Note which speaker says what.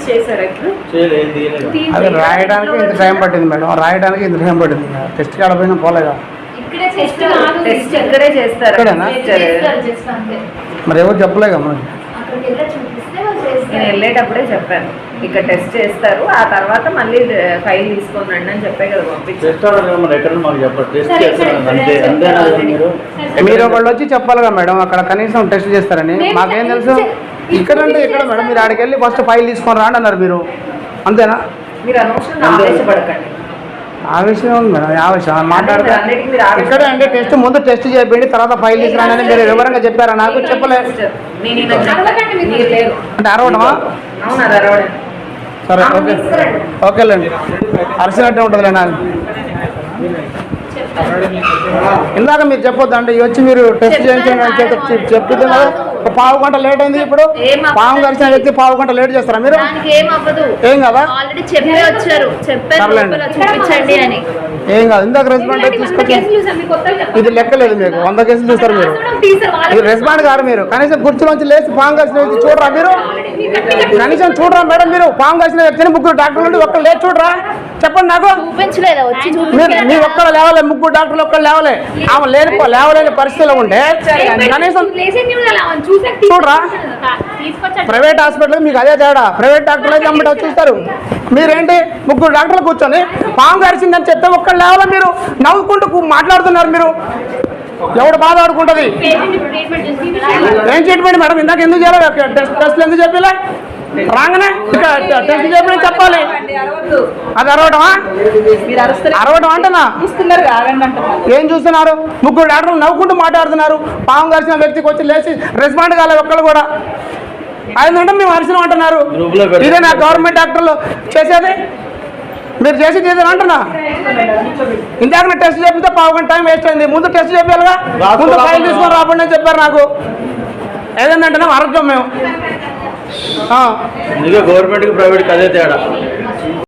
Speaker 1: అది రాయడానికి ఇంత టైం పట్టింది మేడం, రాయడానికి ఇంత టైం పట్టింది. టెస్ట్ కాడపోయినా పోలేగా.
Speaker 2: ఇక్కడే చేస్తారు.
Speaker 1: మరి ఎవరు చెప్పలేగా మనకి.
Speaker 2: నేను వెళ్ళేటప్పుడే చెప్పాను, ఇక్కడ టెస్ట్ చేస్తారు, ఆ తర్వాత మళ్ళీ ఫైల్ తీసుకొని రండి అని చెప్పే కదా పంపించారు.
Speaker 1: మీరు ఒకళ్ళు వచ్చి చెప్పాలిగా మేడం, అక్కడ కనీసం టెస్ట్ చేస్తారని. మాకేం తెలుసు. ఇక్కడ అంటే ఇక్కడ మేడం, మీరు ఆడికి వెళ్ళి ఫస్ట్ ఫైల్ తీసుకొని రాండి అన్నారు మీరు, అంతేనా?
Speaker 2: మీరు అనవసరంగా ఆవేశపడకండి.
Speaker 1: ఆవేశం ఉంది మేడం, ఆవేశం మాట్లాడితే ఇక్కడే అంటే టెస్ట్ ముందు టెస్ట్ చేయండి, తర్వాత ఫైల్ తీసుకురానని మీరు వివరంగా చెప్పారా? నాకు చెప్పలేదు. అంటే అరవడమా? సరే ఓకే, ఓకేలేండి. అరిసినట్టే ఉంటుందిలే నాకు. ఇందాక మీరు చెప్పొద్దు అంటే వచ్చి మీరు టెస్ట్ చేయించండి అని చెప్తే ఒక పావు గంట లేట్ అయింది. ఇప్పుడు పాము గడిచిన వ్యక్తి పావు గంట లేట్ చేస్తారా మీరు? ఏం కదా, ఏం కాదు. ఇందాక రెస్పాండ్ తీసుకొచ్చి ఇది లెక్కలేదు మీకు. 100 కేసులు చూస్తారు మీరు. ఇది రెస్పాండ్ గారు మీరు. కనీసం కుర్చీలోంచి లేచి పాము కలిసిన వ్యక్తి చూడరా మీరు? కనీసం చూడరా మేడం మీరు? పాము కలిసిన వ్యక్తిని ముగ్గురు డాక్టర్లు ఉండి ఒక్కరు లేచి చూడరా? చెప్పండి నాకు. మీ ఒక్కరు లేవలే, ముగ్గురు డాక్టర్లు ఒక్కరు లేవలే. ఆమె లేవలేని పరిస్థితిలో ఉంటే కనీసం చూడరా? ప్రైవేట్ హాస్పిటల్ మీకు అదే తేడా. ప్రైవేట్ డాక్టర్లు అయితే అమ్మట చూస్తారు. మీరేంటి ముగ్గురు డాక్టర్లు కూర్చొని పాము గరిచిందని చెప్తే ఒక్కరు లేవాలా? మీరు నవ్వుకుంటూ మాట్లాడుతున్నారు. మీరు ఎవడు బాధ ఆడుకుంటుంది? ఏం ట్రీట్మెంట్ మేడం? ఇందాక ఎందుకు చేయాలి? టెస్ట్లు ఎందుకు చెప్పలే? రాగానే టెస్ట్ చెప్పి చెప్పాలి. అది అరవటమా? అరవటం అంటేనా? ఏం చూస్తున్నారు? ముగ్గురు డాక్టర్లు నవ్వుకుంటూ మాట్లాడుతున్నారు. పాము కలిసిన వ్యక్తికి వచ్చి లేచి రెస్పాండ్ కాలేదు ఒక్కళ్ళు కూడా. అయిందంటే మేము అరిసినాం అంటున్నారు. ఇదే నా గవర్నమెంట్ డాక్టర్లు చేసేది? మీరు చేసేది ఏదైనా అంటున్నా? ఇందాక టెస్ట్ చేపితే పావు గంట టైం వేస్ట్ అయింది. ముందు టెస్ట్ చెప్పాలిగా, ముందు ఫైల్ తీసుకొని రాబడి అని చెప్పారు నాకు. ఏదంటే ఆరోగ్యం మేము
Speaker 3: గవర్నమెంట్కి ప్రైవేట్కి అదే తేడా.